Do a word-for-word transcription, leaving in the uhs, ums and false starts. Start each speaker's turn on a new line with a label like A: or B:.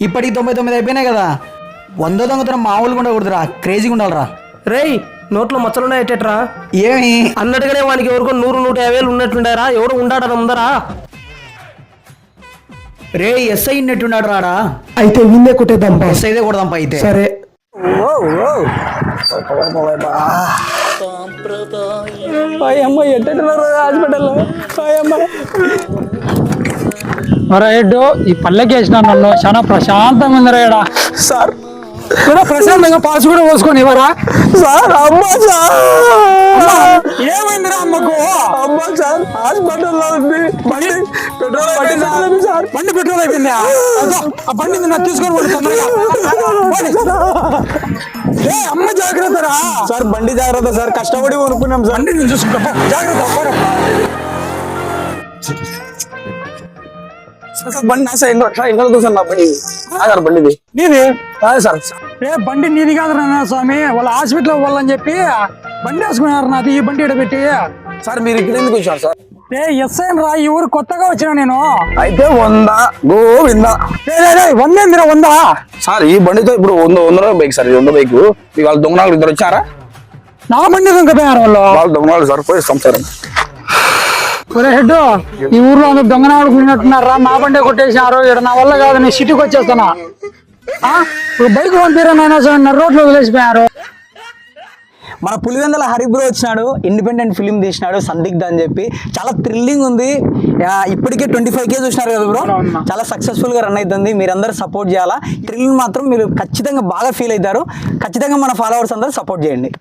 A: ఇప్పటికి తొంభై తొమ్మిది అయిపోయినాయి కదా, వంద దొంగతనం మామూలుగా ఉండకూడదురా, క్రేజీగా ఉండాలిరా.
B: రేయ్ నోట్లో మచ్చలున్నాయి ఎట్టేట్రా?
A: ఏమి
B: అన్నట్టుగానే వానికి ఎవరికో నూరు నూట యాభై వేలు ఉన్నట్టుండారా? ఎవడు ఉండాడ ముందరా?
A: రే ఎస్ఐ ఉన్నట్టున్నాడు రాడా?
B: అయితే విన్నే కొట్టేద్దాం.
A: ఎస్ఐదే కొడదాంపా అయితే.
B: సరే. అమ్మ ఎట్టేట్టున్నారు హాస్పిటల్లో?
C: హెడ్ ఈ పల్లెకి వేసిన నన్ను చాలా ప్రశాంతంగా ఉందిరా ఈడ.
B: సార్
C: కూడా ప్రశాంతంగా పాస్ కూడా పోసుకొని ఇవ్వరా
B: సార్? అమ్మ సార్
C: ఏమైందిరా అమ్మకు?
B: అమ్మ సార్ హాస్పిటల్లో ఉంది. బండి పెట్రోల్ అయిపోయింది సార్.
C: బండి పెట్రోల్ అయిపోయిందా? ఆ బండి నిన్న తీసుకొని పోండి తొందరగా. ఏ అమ్మ జాగ్రత్త రా
B: సార్. బండి జాగ్రత్త సార్, కష్టపడి కొనుక్కున్నాం సార్.
C: బండి నేను చూసుకుంటా జాగ్రత్త.
B: బండి నా సార్ ఇంకా సార్. నా బండి సార్, బండిది
C: నీది
B: కాదు సార్.
C: ఏ బండి నీది కాదు నాన్న స్వామి, వాళ్ళ హాస్పిటల్ వాళ్ళని చెప్పి బండి వేసుకున్నారు నాది. ఈ బండి పెట్టి
B: సార్ మీరు ఇక్కడ ఎందుకు వచ్చారు సార్?
C: ఏ ఎస్ఐ రా, ఈ ఊరు కొత్తగా వచ్చినా నేను.
B: అయితే వంద గోవింద.
C: వందేందిరా వందా?
B: సార్ ఈ బండితో ఇప్పుడు వంద వంద బైక్ సార్, ఇది వంద బైక్. వాళ్ళ దొంగనాలు ఇద్దరు వచ్చారా?
C: నా బండి దొంగపోయారు వాళ్ళు.
B: వాళ్ళ దొంగనాలు సార్, పోయి సంసారం.
C: హెడ్ ఈ ఊర్లో అందరు దొంగనాడు పోయినట్టున్నారా? నా బండి కొట్టేసినారు. ఇక్కడ నా వల్ల కాదు, నేను సిటీకి వచ్చేస్తానా. ఇప్పుడు బైక్ పంపిరా నాయన సార్, నా రోడ్లో వదిలేసిపోయారు.
A: మన పులివెందుల హరిబ్రో వచ్చినాడు, ఇండిపెండెంట్ ఫిలిం తీసినాడు సందిగ్ధ అని చెప్పి. చాలా థ్రిల్లింగ్ ఉంది. ఇప్పటికే ట్వంటీ ఫైవ్ కే చూసినారు కదా బ్రో, చాలా సక్సెస్ఫుల్ గా రన్ అవుతుంది. మీరందరూ సపోర్ట్ చేయాలా. థ్రిల్ మాత్రం మీరు ఖచ్చితంగా బాగా ఫీల్ అవుతారు. ఖచ్చితంగా మన ఫాలోవర్స్ అందరూ సపోర్ట్ చేయండి.